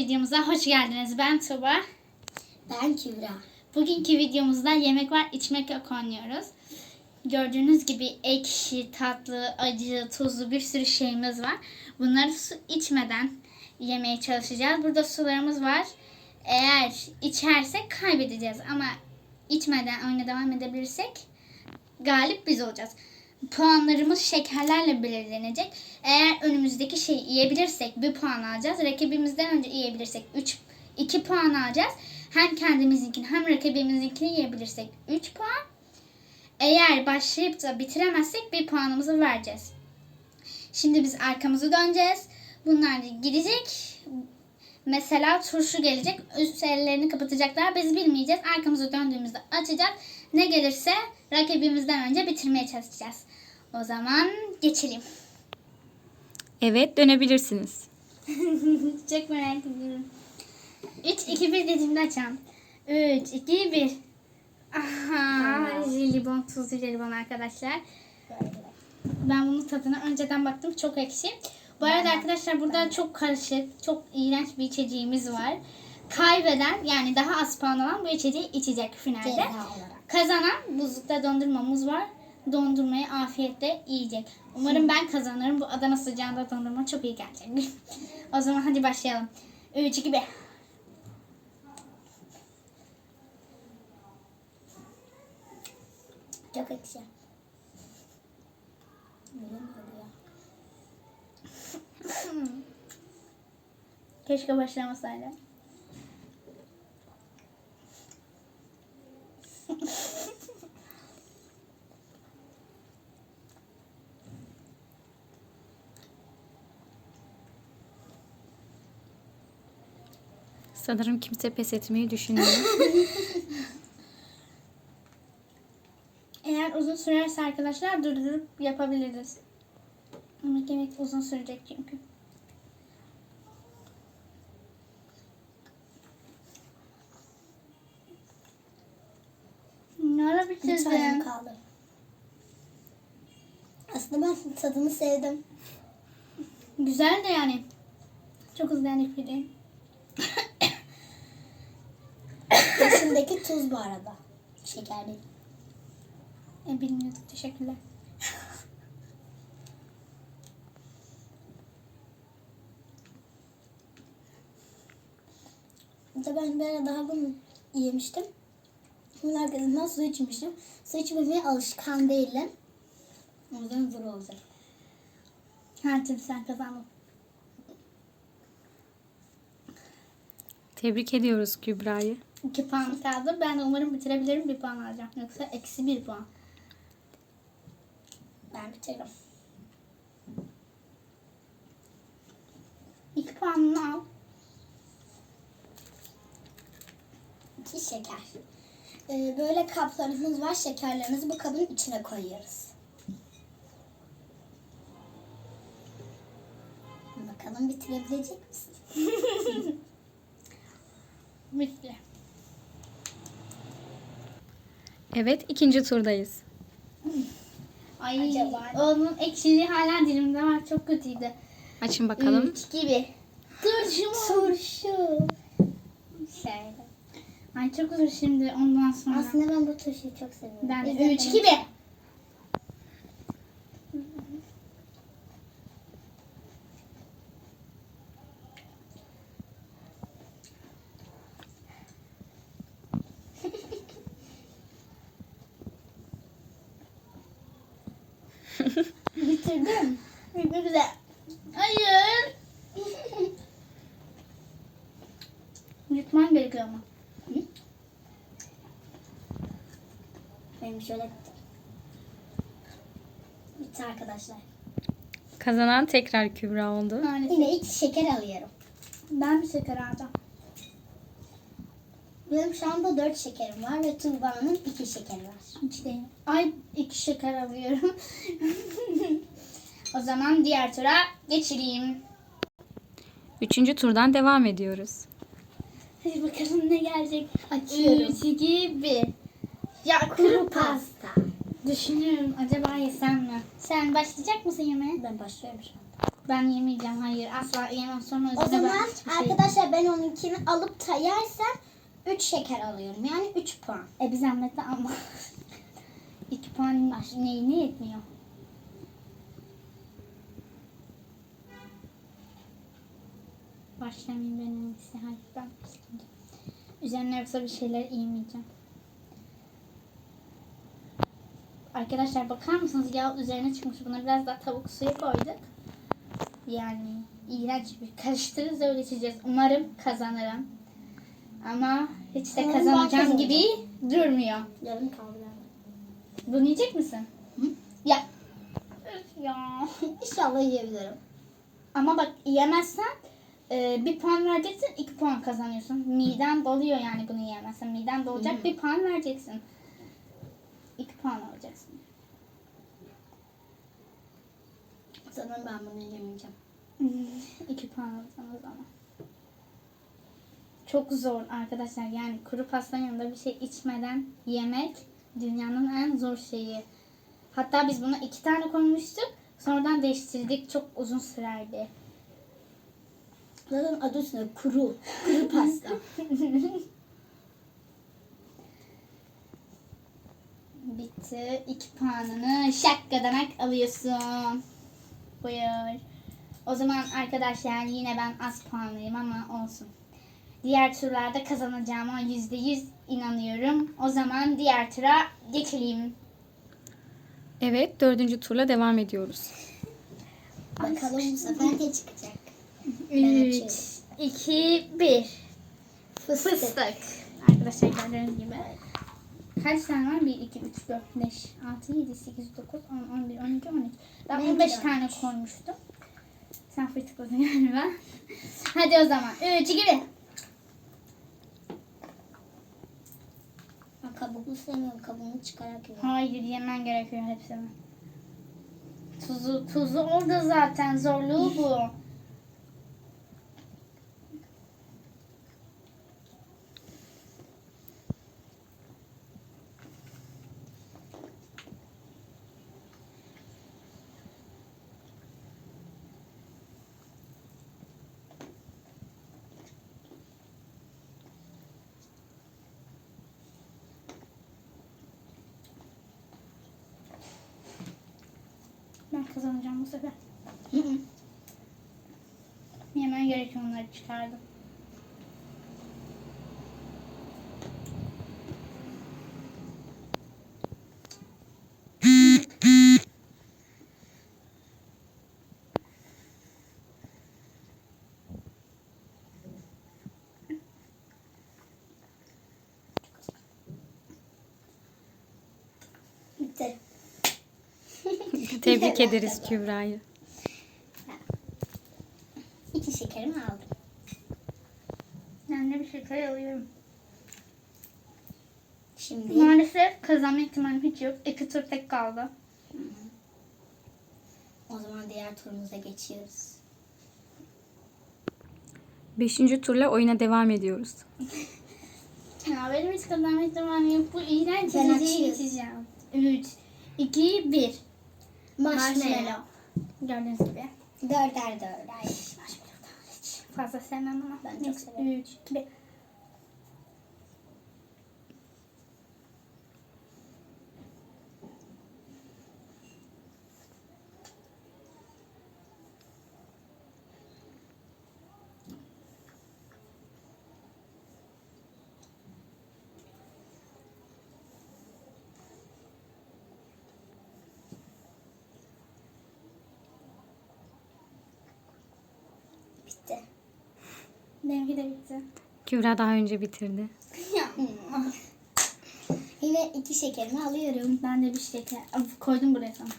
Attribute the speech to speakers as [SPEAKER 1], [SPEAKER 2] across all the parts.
[SPEAKER 1] videomuza hoş geldiniz. Ben Tuba.
[SPEAKER 2] Ben Kübra.
[SPEAKER 1] Bugünkü videomuzda yemek var, içmek yok oynuyoruz. Gördüğünüz gibi ekşi, tatlı, acı, tuzlu bir sürü şeyimiz var. Bunları su içmeden yemeye çalışacağız. Burada sularımız var. Eğer içersek kaybedeceğiz ama içmeden oyuna devam edebilirsek galip biz olacağız. Puanlarımız şekerlerle belirlenecek. Eğer önümüzdeki şeyi yiyebilirsek 1 puan alacağız. Rakibimizden önce yiyebilirsek 2 puan alacağız. Hem kendimizinkini hem rakibimizinkini yiyebilirsek 3 puan. Eğer başlayıp da bitiremezsek 1 puanımızı vereceğiz. Şimdi biz arkamızı döneceğiz. Bunlar gidecek. Mesela turşu gelecek. Üst ellerini kapatacaklar. Biz bilmeyeceğiz. Arkamızı döndüğümüzde açacağız. Ne gelirse rakibimizden önce bitirmeye çalışacağız. O zaman geçelim.
[SPEAKER 3] Evet, dönebilirsiniz.
[SPEAKER 1] Çok merak ediyorum. 3, 2, 1 dediğimde açalım. 3, 2, 1. Aha, jelibon, tuzlu jelibon arkadaşlar. Ben bunun tadına önceden baktım. Çok ekşi. Bu arada arkadaşlar burada çok karışık, çok iğrenç bir içeceğimiz var. Kaybeden, yani daha az puan alan bu içeceği içecek finalde.
[SPEAKER 2] Ceza olarak.
[SPEAKER 1] Kazanan buzlukta dondurmamız var. Dondurmayı afiyetle yiyecek. Umarım ben kazanırım. Bu Adana sıcağında dondurma çok iyi gelecek. O zaman hadi başlayalım. 3, 2, 1.
[SPEAKER 2] Çok ekşi.
[SPEAKER 1] Keşke başlamasaydım.
[SPEAKER 3] Sanırım kimse pes etmeyi düşünmüyor.
[SPEAKER 1] Eğer uzun sürerse arkadaşlar durdurup yapabiliriz. Ama yemek uzun sürecek çünkü. Ne ara
[SPEAKER 2] Bir tane
[SPEAKER 1] bitirdin?
[SPEAKER 2] kaldı. Aslında ben tadını sevdim.
[SPEAKER 1] Güzel de yani. Çok hızlı yani pide.
[SPEAKER 2] İçindeki tuz bu arada. Şeker değil.
[SPEAKER 1] Bilmiyordum. Teşekkürler.
[SPEAKER 2] Bir de ben bir ara daha bunu yemiştim. Bunun arkasından su içmiştim. Su içmemeye alışkan değilim. O yüzden zor olacak.
[SPEAKER 1] Her türlü sen kazandın.
[SPEAKER 3] Tebrik ediyoruz Kübra'yı.
[SPEAKER 1] 2 puan kaldı. Ben de umarım bitirebilirim. 1 puan alacağım. Yoksa eksi 1 puan.
[SPEAKER 2] Ben bitiririm.
[SPEAKER 1] 2 puanını al.
[SPEAKER 2] 2 şeker. Böyle kaplarımız var. Şekerlerimizi bu kabın içine koyuyoruz. Bakalım bitirebilecek misin?
[SPEAKER 1] Bitti.
[SPEAKER 3] Evet, ikinci turdayız.
[SPEAKER 1] Ay,
[SPEAKER 2] Acaba?
[SPEAKER 1] onun ekşiliği hala dilimde var. Çok kötüydü.
[SPEAKER 3] Açın bakalım.
[SPEAKER 1] 3 gibi. Turşu mu?
[SPEAKER 2] Turşu.
[SPEAKER 1] Şöyle. Ay çok zor şimdi ondan sonra.
[SPEAKER 2] Aslında ben bu turşuyu çok seviyorum.
[SPEAKER 1] Ben
[SPEAKER 2] Biz
[SPEAKER 1] de 3 gibi.
[SPEAKER 2] Bitirdim.
[SPEAKER 1] Ne güzel. Hayır. Yutman gerekiyor ama.
[SPEAKER 2] Benim şöyle bitti. Bitti arkadaşlar.
[SPEAKER 3] Kazanan tekrar Kübra oldu.
[SPEAKER 1] Maalesef.
[SPEAKER 2] Yine 2 şeker alıyorum.
[SPEAKER 1] Ben bir şeker alacağım.
[SPEAKER 2] Benim şu anda 4 şekerim var ve Tuğba'nın 2 şekeri var.
[SPEAKER 1] Hiç değil. Ay 2 şeker alıyorum. O zaman diğer tura geçireyim.
[SPEAKER 3] Üçüncü turdan devam ediyoruz.
[SPEAKER 1] Hadi bakalım ne gelecek.
[SPEAKER 2] Açıyorum.
[SPEAKER 1] 3, 2, 1. Ya
[SPEAKER 2] Kuru pasta.
[SPEAKER 1] Düşünüyorum acaba yesem mi? Sen başlayacak mısın yemeğe?
[SPEAKER 2] Ben başlıyorum şu anda.
[SPEAKER 1] Ben yemeyeceğim. Hayır. Asla yemem. Sonra
[SPEAKER 2] O
[SPEAKER 1] üzerine
[SPEAKER 2] zaman
[SPEAKER 1] ben hiçbir şey-
[SPEAKER 2] arkadaşlar ben onunkini alıp da yersem 3 şeker alıyorum. Yani 3 puan.
[SPEAKER 1] Bir zahmet ama. 2 puan neyine yetmiyor. Başlamayayım benim iyisi. Hayır ben başlayayım. Üzerine yoksa bir şeyler yemeyeceğim. Arkadaşlar bakar mısınız? Yağ üzerine çıkmış. Buna biraz daha tavuk suyu koyduk. Yani iğrenç bir karıştırırız öyle içeceğiz. Umarım kazanırım. Ama hiç de
[SPEAKER 2] Umarım ben
[SPEAKER 1] kazanacağım
[SPEAKER 2] kazanacağım.
[SPEAKER 1] gibi durmuyor.
[SPEAKER 2] Yarım kaldı.
[SPEAKER 1] Bunu yiyecek misin?
[SPEAKER 2] Hı?
[SPEAKER 1] Ya. Üf ya.
[SPEAKER 2] İnşallah yiyebilirim.
[SPEAKER 1] Ama bak yiyemezsen 1 puan vereceksin, 2 puan kazanıyorsun. Miden doluyor yani bunu yiyemezsen. Miden dolacak, 1 puan vereceksin. 2 puan alacaksın.
[SPEAKER 2] Sanırım ben bunu yemeyeceğim.
[SPEAKER 1] 2 puan alacaksın o zaman. Çok zor arkadaşlar. Yani kuru pastanın yanında bir şey içmeden yemek dünyanın en zor şeyi. Hatta biz buna 2 tane koymuştuk. Sonradan değiştirdik. Çok uzun sürerdi.
[SPEAKER 2] Zaten adı üstünde kuru. Kuru pasta.
[SPEAKER 1] Bitti. 2 puanını şakkadanak alıyorsun. Buyur. O zaman arkadaşlar yine ben az puanlıyım ama olsun. Diğer turlarda kazanacağıma %100 inanıyorum. O zaman diğer tura geçelim.
[SPEAKER 3] Evet, 4. turla devam ediyoruz.
[SPEAKER 2] Bakalım bu sefer ne çıkacak?
[SPEAKER 1] 3, 2, 1. Fıstık. Arkadaşlar gördüğünüz gibi. Kaç tane var? 1, 2, 3, 4, 5, 6, 7, 8, 9, 10, 11, 12, 13. Ben
[SPEAKER 2] Benimki
[SPEAKER 1] 15
[SPEAKER 2] de
[SPEAKER 1] tane koymuştum. Sen fırtıkladın galiba. Hadi o zaman. 3, 2, 1.
[SPEAKER 2] Ben kabuklu sevmiyorum. Kabuğunu çıkarak yiyorum.
[SPEAKER 1] Hayır yemen gerekiyor hepsini. Tuzu orada zaten. Zorluğu bu. Ben kazanacağım bu sefer. Yemen gerekiyor onları çıkardım.
[SPEAKER 2] Bitti.
[SPEAKER 3] Tebrik ederiz Kübra'yı.
[SPEAKER 2] 2 şekerimi aldım.
[SPEAKER 1] Ben de bir şeker alıyorum.
[SPEAKER 2] Şimdi
[SPEAKER 1] Maalesef kazanma ihtimalim hiç yok. 2 tur tek kaldı.
[SPEAKER 2] o zaman diğer turumuza geçiyoruz.
[SPEAKER 3] 5. turla oyuna devam ediyoruz.
[SPEAKER 1] Ya benim hiç kazanma ihtimalim yok. Bu iğrenç
[SPEAKER 2] Ben
[SPEAKER 1] içeceği
[SPEAKER 2] açıyorum.
[SPEAKER 1] içeceğim. 3, 2, 1.
[SPEAKER 2] Marshmallow.
[SPEAKER 1] Gördüğünüz gibi.
[SPEAKER 2] Dörder.
[SPEAKER 1] Marshmallow hiç fazla sevmem ama.
[SPEAKER 2] Ben çok severim.
[SPEAKER 1] 3, 2, 1.
[SPEAKER 2] Bitti.
[SPEAKER 1] Benimki de bitti.
[SPEAKER 3] Kübra daha önce bitirdi.
[SPEAKER 2] Yine 2 şekerimi alıyorum.
[SPEAKER 1] Ben de bir şeker koydum buraya sana.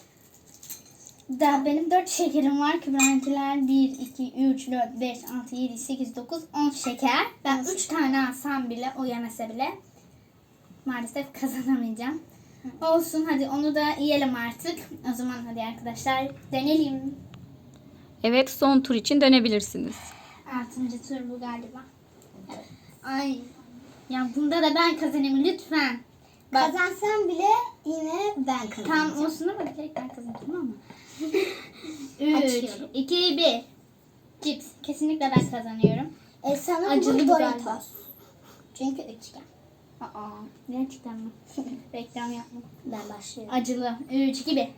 [SPEAKER 1] Daha benim 4 şekerim var. Kübra'nınkiler 1, 2, 3, 4, 5, 6, 7, 8, 9, 10 şeker. Ben 3 tane alsam bile, o yemese bile maalesef kazanamayacağım. Olsun hadi onu da yiyelim artık. O zaman hadi arkadaşlar deneyelim.
[SPEAKER 3] Evet, son tur için dönebilirsiniz.
[SPEAKER 1] 6. tur bu galiba. Ay. Ya bunda da ben kazanayım lütfen. Bak
[SPEAKER 2] Kazansam bile yine ben kazanacağım.
[SPEAKER 1] tam olsun ama direkt ben kazanacağım ama. 3,
[SPEAKER 2] Açıyorum.
[SPEAKER 1] 2, 1. Cips. Kesinlikle ben kazanıyorum.
[SPEAKER 2] Sanırım
[SPEAKER 1] Acılı
[SPEAKER 2] bu
[SPEAKER 1] bu galiba.
[SPEAKER 2] Doritos. Çünkü üçgen.
[SPEAKER 1] Aa, gerçekten mi? Reklam yapma.
[SPEAKER 2] Ben başlıyorum.
[SPEAKER 1] Acılı. 3, 2, 1.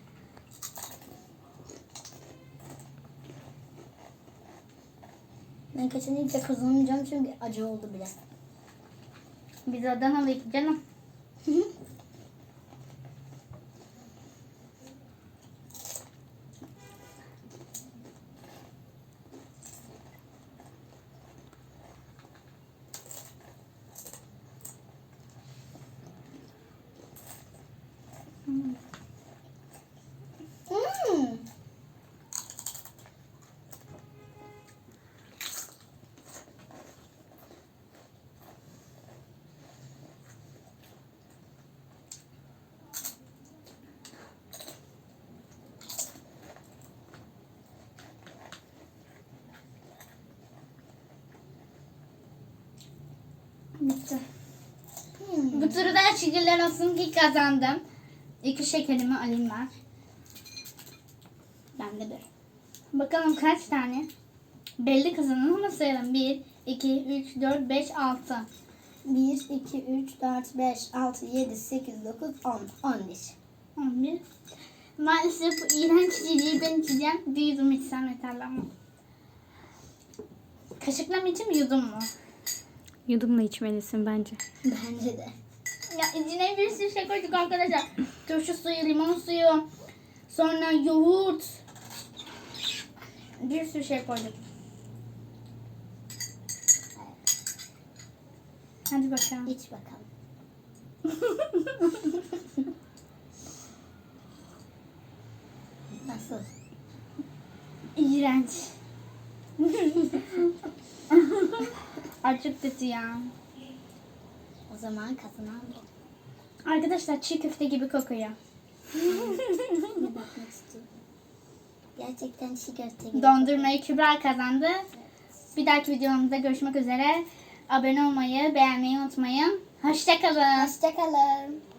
[SPEAKER 2] Ben kesinlikle kazanamayacağım çünkü acı oldu bile.
[SPEAKER 1] Biz Adanalıyız canım.
[SPEAKER 2] Hmm.
[SPEAKER 1] Bitti.
[SPEAKER 2] Hmm.
[SPEAKER 1] Bu turu da şükürler olsun ki kazandım. 2 şekerimi alayım ben.
[SPEAKER 2] Ben de bir.
[SPEAKER 1] Bakalım kaç tane? Belli kazanan ama sayalım. 1, 2, 3, 4, 5, 6.
[SPEAKER 2] 1, 2, 3, 4, 5, 6, 7, 8, 9, 10, 11.
[SPEAKER 1] 11. Maalesef bu iğrenç içeceği ben içeceğim. Bir yudum içsem yeterli ama. Kaşıkla mı içeyim yudum mu?
[SPEAKER 3] Yudumla içmelisin bence.
[SPEAKER 2] Bence de.
[SPEAKER 1] Ya içine bir sürü şey koyduk arkadaşlar. Turşu suyu, limon suyu, sonra yoğurt. Bir sürü şey koyduk. Hadi bakalım.
[SPEAKER 2] İç bakalım. Nasıl?
[SPEAKER 1] İğrenç. Ay çok kötü ya.
[SPEAKER 2] O zaman kazanan bu.
[SPEAKER 1] Arkadaşlar çiğ köfte gibi kokuyor.
[SPEAKER 2] Bir bakmak istiyorum. Gerçekten çiğ köfte gibi.
[SPEAKER 1] Dondurmayı Kübra kazandı. Bir dahaki videomuzda görüşmek üzere. Abone olmayı, beğenmeyi unutmayın. Hoşçakalın.
[SPEAKER 2] Hoşçakalın.